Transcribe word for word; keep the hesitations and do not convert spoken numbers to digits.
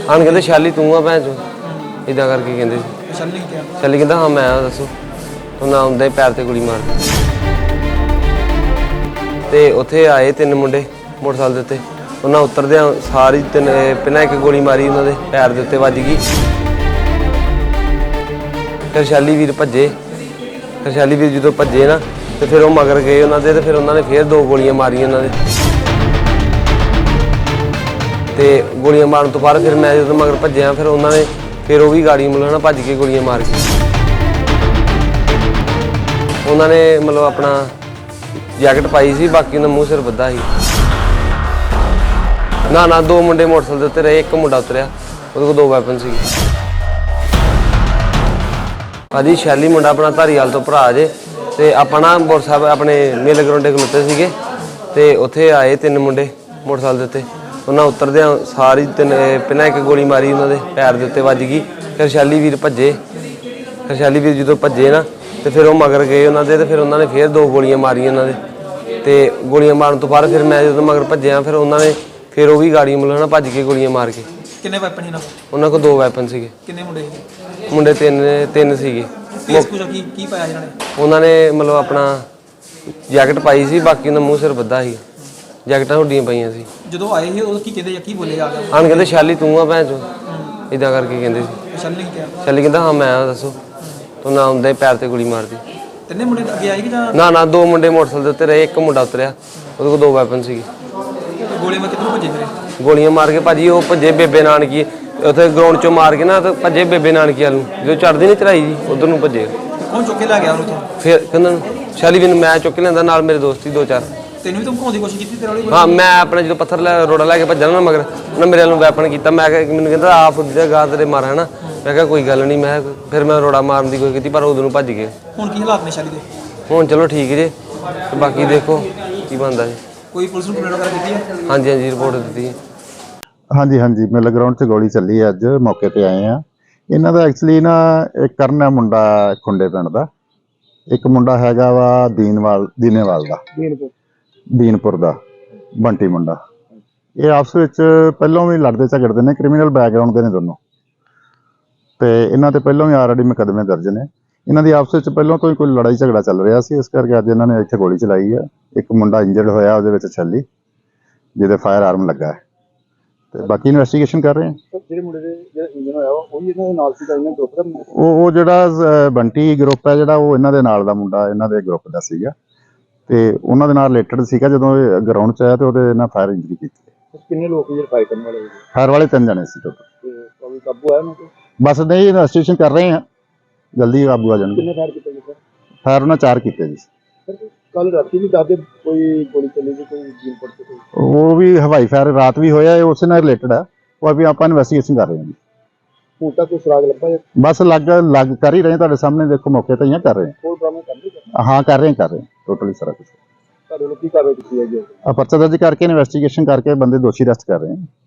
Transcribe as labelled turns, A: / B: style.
A: ਆਣ ਕਹਿੰਦੇ ਸ਼ਾਲੀ ਤੂੰ ਆ ਭੈਣ ਚੋ ਇਦਾਂ ਕਰਕੇ ਕਹਿੰਦੇ ਸੀ।
B: ਸ਼ਾਲੀ ਨੇ ਕਿਹਾ
A: ਸ਼ਾਲੀ ਕਹਿੰਦਾ ਹਾਂ ਮੈਂ ਆ ਦੱਸੋ ਤੂੰ ਨਾ ਆਉਂਦਾ ਹੀ ਪੈਰ ਤੇ ਗੋਲੀ ਮਾਰ ਤੇ ਉੱਥੇ ਆਏ ਤਿੰਨ ਮੁੰਡੇ ਮੋਟਰਸਾਈਕਲ ਦੇ ਉੱਤੇ ਉਹਨਾਂ ਉਤਰਦਿਆਂ ਸਾਰੀ ਤਿੰਨ ਪਹਿਲਾਂ ਇੱਕ ਗੋਲੀ ਮਾਰੀ ਉਹਨਾਂ ਦੇ ਪੈਰ ਦੇ ਉੱਤੇ ਵੱਜ ਗਈ। ਫਿਰ ਸ਼ਾਲੀ ਵੀਰ ਭੱਜੇ ਫਿਰ ਸ਼ਾਲੀ ਵੀਰ ਜਦੋਂ ਭੱਜੇ ਨਾ ਤੇ ਫਿਰ ਉਹ ਮਗਰ ਗਏ ਉਹਨਾਂ ਦੇ ਤੇ ਫਿਰ ਉਹਨਾਂ ਨੇ ਫਿਰ ਦੋ ਗੋਲੀਆਂ ਮਾਰੀਆਂ ਉਹਨਾਂ ਦੇ ਤੇ ਗੋਲੀਆਂ ਮਾਰਨ ਤੋਂ ਬਾਅਦ ਫਿਰ ਮੈਂ ਜਦੋਂ ਮਗਰ ਭੱਜਿਆ ਫਿਰ ਉਹਨਾਂ ਨੇ ਫਿਰ ਉਹ ਵੀ ਗਾੜੀ ਮਤਲਬ ਨਾ ਭੱਜ ਕੇ ਗੋਲੀਆਂ ਮਾਰ ਕੇ ਉਹਨਾਂ ਨੇ ਮਤਲਬ ਆਪਣਾ ਜੈਕਟ ਪਾਈ ਸੀ ਬਾਕੀ ਉਹਨਾਂ ਮੂੰਹ ਸਿਰ ਬੱਧਾ ਸੀ। ਨਾ ਨਾ ਦੋ ਮੁੰਡੇ ਮੋਟਰਸਾਈਕਲ ਦੇ ਉੱਤੇ ਰਹੇ ਇੱਕ ਮੁੰਡਾ ਉਤਰਿਆ ਉਹਦੇ ਕੋਲ ਦੋ ਵੈਪਨ ਸੀ। ਭਾਜੀ ਸ਼ੈਲੀ ਮੁੰਡਾ ਆਪਣਾ ਧਾਰੀਵਾਲ ਤੋਂ ਭਰਾ ਜੇ ਤੇ ਆਪਾਂ ਨਾ ਮੋਟਰਸਾਈਕਲ ਆਪਣੇ ਮੇਲੇ ਗਰਾਉਂਡੇ ਖਲੋਤੇ ਸੀਗੇ ਤੇ ਉੱਥੇ ਆਏ ਤਿੰਨ ਮੁੰਡੇ ਮੋਟਰਸਾਈਕਲ ਦੇ ਉੱਤੇ ਉਹਨਾਂ ਉਤਰਦਿਆਂ ਸਾਰੀ ਤਿੰਨ ਪਹਿਲਾਂ ਇੱਕ ਗੋਲੀ ਮਾਰੀ ਉਹਨਾਂ ਦੇ ਪੈਰ ਦੇ ਉੱਤੇ ਵੱਜ ਗਈ। ਫਿਰ ਸ਼ੈਲੀ ਵੀਰ ਭੱਜੇ ਫਿਰ ਸ਼ੈਲੀ ਵੀਰ ਜਦੋਂ ਭੱਜੇ ਨਾ ਤੇ ਫਿਰ ਉਹ ਮਗਰ ਗਏ ਉਹਨਾਂ ਦੇ ਤੇ ਫਿਰ ਉਹਨਾਂ ਨੇ ਫਿਰ ਦੋ ਗੋਲੀਆਂ ਮਾਰੀਆਂ ਉਹਨਾਂ ਦੇ ਤੇ ਗੋਲੀਆਂ ਮਾਰਨ ਤੋਂ ਬਾਅਦ ਫਿਰ ਮੈਂ ਜਦੋਂ ਮਗਰ ਭੱਜਿਆ ਫਿਰ ਉਹਨਾਂ ਨੇ ਫਿਰ ਉਹ ਵੀ ਗਾੜੀ ਮਤਲਬ ਨਾ ਭੱਜ ਕੇ ਗੋਲੀਆਂ ਮਾਰ ਕੇ।
B: ਕਿੰਨੇ ਵੈਪਨ ਸੀ ਨਾ
A: ਉਹਨਾਂ ਕੋਲ ਦੋ ਵੈਪਨ ਸੀਗੇ।
B: ਕਿੰਨੇ ਮੁੰਡੇ ਸੀ?
A: ਮੁੰਡੇ ਤਿੰਨ ਤਿੰਨ ਸੀਗੇ।
B: ਫੇਸ ਕੁਝ ਕੀ ਕੀ ਪਾਇਆ ਇਹਨਾਂ ਨੇ?
A: ਉਹਨਾਂ ਨੇ ਮਤਲਬ ਆਪਣਾ ਜੈਕਟ ਪਾਈ ਸੀ ਬਾਕੀ ਉਹਨਾਂ ਮੂੰਹ ਸਿਰ ਬੱਧਾ ਸੀ ਜੈਕਟਾਂ ਹੁੱਡੀਆਂ ਪਈਆਂ ਸੀ।
B: ਜਦੋਂ ਆਏ ਸੀ ਉਹ ਕੀ ਕਹਿੰਦੇ ਜਾਂ ਕੀ ਬੋਲੇ ਜਾ ਕੇ?
A: ਆਣ ਕਹਿੰਦੇ ਸ਼ਾਲੀ ਤੂੰ ਆ ਭੈਣ ਚੋ ਇਦਾਂ ਕਰਕੇ ਕਹਿੰਦੇ ਸੀ।
B: ਸ਼ਾਲੀ ਨੇ ਕਿਹਾ
A: ਸ਼ਾਲੀ ਕਹਿੰਦਾ ਹਾਂ ਮੈਂ ਆ ਦੱਸੋ ਤੂੰ ਨਾ ਆਉਂਦਾ ਹੀ ਪੈਰ ਤੇ ਗੋਲੀ ਮਾਰਦੀ।
B: ਤਿੰਨੇ ਮੁੰਡੇ ਅੱਗੇ ਆਏ ਕਿ ਜਾਂ
A: ਨਾ ਨਾ ਦੋ ਮੁੰਡੇ ਮੋਟਰਸਾਈਕਲ ਦੇ ਉੱਤੇ ਰਹੇ ਇੱਕ ਮੁੰਡਾ ਉਤਰਿਆ ਉਹਦੇ ਕੋਲ ਦੋ ਵੈਪਨ ਸੀਗੇ।
B: ਗੋਲੇ ਮਾਰ ਕਿੱਥੋਂ ਭੱਜੇ ਫਿਰੇ?
A: ਗੋਲੀਆਂ ਮਾਰ ਕੇ ਭਾਜੀ ਉਹ ਭੱਜੇ ਬੇਬੇ ਨਾਨਕੀ ਉੱਥੇ ਗਰਾਊਂਡ ਚੋਂ ਮਾਰ ਕੇ ਨਾ ਤੇ ਭੱਜੇ ਬੇਬੇ ਨਾਨਕੀ ਵੱਲ ਨੂੰ ਜਦੋਂ ਚੜ੍ਹਦੀ ਨਹੀਂ ਚੜਾਈ ਜੀ ਉਧਰ ਨੂੰ ਭੱਜੇ।
B: ਕੌਣ ਚੁੱਕ ਕੇ ਲੈ ਗਿਆ ਉਹਨੂੰ ਤੋਂ?
A: ਫਿਰ ਕਹਿੰਦਾ ਸ਼ਾਲੀ ਵੀ ਮੈਂ ਚੁੱਕ ਕੇ ਲਿਆਂਦਾ ਨਾਲ ਮੇਰੇ ਦੋਸਤ ਸੀ ਦੋ ਚਾਰ।
B: ਤੈਨੂੰ ਵੀ ਧਮਕਾਉਣ ਦੀ ਕੋਸ਼ਿਸ਼ ਕੀਤੀ ਤੇਰੇ ਵਾਲੀ?
A: ਹਾਂ ਮੈਂ ਆਪਣਾ ਜਦੋਂ ਪੱਥਰ ਲੈ ਰੋੜਾ ਲੈ ਕੇ ਭੱਜਣਾ ਨਾ ਮਗਰ ਉਹਨੇ ਮੇਰੇ ਵੱਲੋਂ ਵੈਪਨ ਕੀਤਾ। ਮੈਂ ਕਿਹਾ ਮੈਨੂੰ ਕਹਿੰਦਾ ਆ ਫੁੱਦੀ ਦਾ ਗਾਹ ਤੇਰੇ ਮਾਰ ਹੈ ਨਾ। ਮੈਂ ਕਿਹਾ ਕੋਈ ਗੱਲ ਨਹੀਂ ਮੈਂ ਫਿਰ ਮੈਂ ਰੋੜਾ ਮਾਰਨ ਦੀ ਕੋਸ਼ਿਸ਼ ਕੀਤੀ ਪਰ ਉਦੋਂ ਨੂੰ ਭੱਜ ਗਏ।
B: ਹੁਣ ਕੀ ਹਾਲਾਤ ਨੇ ਸ਼ਾਲੀ ਦੇ?
A: ਹੁਣ ਚਲੋ ਠੀਕ ਜੇ ਤੇ ਬਾਕੀ ਦੇਖੋ ਕੀ ਬਣਦਾ ਜੀ।
B: ਕੋਈ ਪੁਲਿਸ ਨੂੰ ਕੰਪਲੇਂਟ ਵਗੈਰਾ ਕੀਤੀ ਹੈ?
A: ਹਾਂਜੀ ਹਾਂਜੀ ਰਿਪੋਰਟ ਦਿੱਤੀ ਹੈ।
C: ਹਾਂਜੀ ਹਾਂਜੀ ਮੇਲੇ ਗਰਾਊਂਡ 'ਚ ਗੋਲੀ ਚੱਲੀ ਹੈ ਅੱਜ ਮੌਕੇ ਤੇ ਆਏ ਆ। ਇਹਨਾਂ ਦਾ ਐਕਚੁਅਲੀ ਨਾ ਇੱਕ ਕਰਨ ਹੈ ਮੁੰਡਾ ਖੁੰਡੇ ਪਿੰਡ ਦਾ, ਇੱਕ ਮੁੰਡਾ ਹੈਗਾ ਵਾ ਦੀਨਵਾਲ ਦੀਨੇਵਾਲ ਦਾ
B: ਦੀਨਪੁਰ
C: ਦੀਨਪੁਰ ਦਾ ਬੰਟੀ ਮੁੰਡਾ। ਇਹ ਆਪਸ ਵਿੱਚ ਪਹਿਲਾਂ ਵੀ ਲੜਦੇ ਝਗੜਦੇ ਨੇ, ਕ੍ਰਿਮੀਨਲ ਬੈਕਗ੍ਰਾਉਂਡ ਦੇ ਨੇ ਦੋਨੋਂ ਤੇ ਇਹਨਾਂ ਤੇ ਪਹਿਲਾਂ ਵੀ ਆਲਰੇਡੀ ਮੁਕੱਦਮੇ ਦਰਜ ਨੇ। ਇਹਨਾਂ ਦੀ ਆਪਸ ਵਿੱਚ ਪਹਿਲਾਂ ਤੋਂ ਹੀ ਕੋਈ ਲੜਾਈ ਝਗੜਾ ਚੱਲ ਰਿਹਾ ਸੀ, ਇਸ ਕਰਕੇ ਅੱਜ ਇਹਨਾਂ ਨੇ ਇੱਥੇ ਗੋਲੀ ਚਲਾਈ ਹੈ। ਇੱਕ ਮੁੰਡਾ ਇੰਜਰਡ ਹੋਇਆ ਉਹਦੇ ਵਿੱਚ ਛੱਲੀ ਜਿਹਦੇ ਫਾਇਰ ਆਰਮ ਲੱਗਾ ਹੈ ਤੇ ਬਾਕੀ ਇਨਵੈਸਟੀਗੇਸ਼ਨ ਕਰ ਰਹੇ ਹਾਂ।
B: ਜਿਹੜੇ ਮੁੰਡੇ ਦੇ ਜਿਹੜਾ ਇੰਜਨ ਹੋਇਆ ਉਹ ਵੀ ਇਹਨਾਂ ਦੇ ਨਾਲ ਸੀਗਾ, ਇਹਨਾਂ ਗਰੁੱਪ ਦਾ?
C: ਉਹ ਉਹ ਜਿਹੜਾ ਬੰਟੀ ਗਰੁੱਪ ਹੈ ਜਿਹੜਾ ਉਹ ਇਹਨਾਂ ਦੇ ਨਾਲ ਦਾ ਮੁੰਡਾ ਇਹਨਾਂ ਦੇ ਗਰੁੱਪ ਦਾ ਸੀਗਾ ਤੇ ਉਹਨਾਂ ਦੇ ਨਾਲ ਰਿਲੇਟਡ ਸੀਗਾ। ਜਦੋਂ ਇਹ ਗਰਾਊਂਡ 'ਚ ਆਇਆ ਤੇ ਉਹਦੇ ਨਾਲ ਫਾਇਰ ਇੰਜਰੀ ਕੀਤੀ।
B: ਕਿੰਨੇ ਲੋਕ ਜਿਹੜੇ ਫਾਇਰ ਕਰਨ ਵਾਲੇ?
C: ਫਾਇਰ ਵਾਲੇ ਤਿੰਨ ਜਣੇ ਸੀ ਟੋਟਲ।
B: ਤੇ ਕੋਈ ਕਾਬੂ ਆਇਆ ਉਹਨਾਂ ਤੇ?
C: ਬਸ ਨਹੀਂ ਇਨਵੈਸਟੀਗੇਸ਼ਨ ਕਰ ਰਹੇ ਹਾਂ, ਜਲਦੀ ਕਾਬੂ ਆ ਜਾਣਗੇ।
B: ਕਿੰਨੇ ਫਾਇਰ ਕੀਤੇ ਜੀ ਸਰ?
C: ਫਾਇਰ ਉਹਨਾਂ ਚਾਰ ਕੀਤੇ ਜੀ।
B: ਕੱਲ ਰਾਤੀ ਵੀ ਦੱਸਦੇ ਕੋਈ ਗੋਲੀ ਚੱਲੀ ਸੀ ਕੋਈ ਜੀਨਪੁਰ ਤੇ ਕੋਈ?
C: ਉਹ ਵੀ ਹਵਾਈ ਫਾਇਰ ਰਾਤ ਵੀ ਹੋਇਆ, ਇਹ ਉਸੇ ਨਾਲ ਰਿਲੇਟਡ ਹੈ। ਉਹ ਵੀ ਆਪਾਂ ਇਨਵੈਸਟੀਗੇਸ਼ਨ ਕਰ ਰਹੇ ਹਾਂ ਜੀ।
B: ਹੁਣ ਤੱਕ ਕੋਈ ਸੁਰਾਗ ਲੱਭਾ ਹੈ?
C: ਬਸ ਲੱਗ ਲੱਗ ਕਰ ਹੀ ਰਹੇ, ਤੁਹਾਡੇ ਸਾਹਮਣੇ ਦੇਖੋ ਮੌਕੇ ਤੇ ਹੀ ਕਰ ਰਹੇ
B: ਹੋਰ ਬਰਾਮਦ ਕਰ ਲਈ?
C: ਹਾਂ ਹਾਂ ਕਰ ਰਹੇ ਹਾਂ ਕਰ ਰਹੇ ਟੋਟਲੀ ਸਾਰਾ ਕੁਝ।
B: ਤੁਹਾਡੇ ਲੋਕ ਕੀ ਕਾਰਵਾਈ ਕੀਤੀ ਹੈ ਜੀ?
C: ਆ ਪਰਚਾ ਦਰਜ ਕਰਕੇ ਇਨਵੈਸਟੀਗੇਸ਼ਨ ਕਰਕੇ ਬੰਦੇ ਦੋਸ਼ੀ ਅਰੈਸਟ ਕਰ ਰਹੇ ਹਾਂ।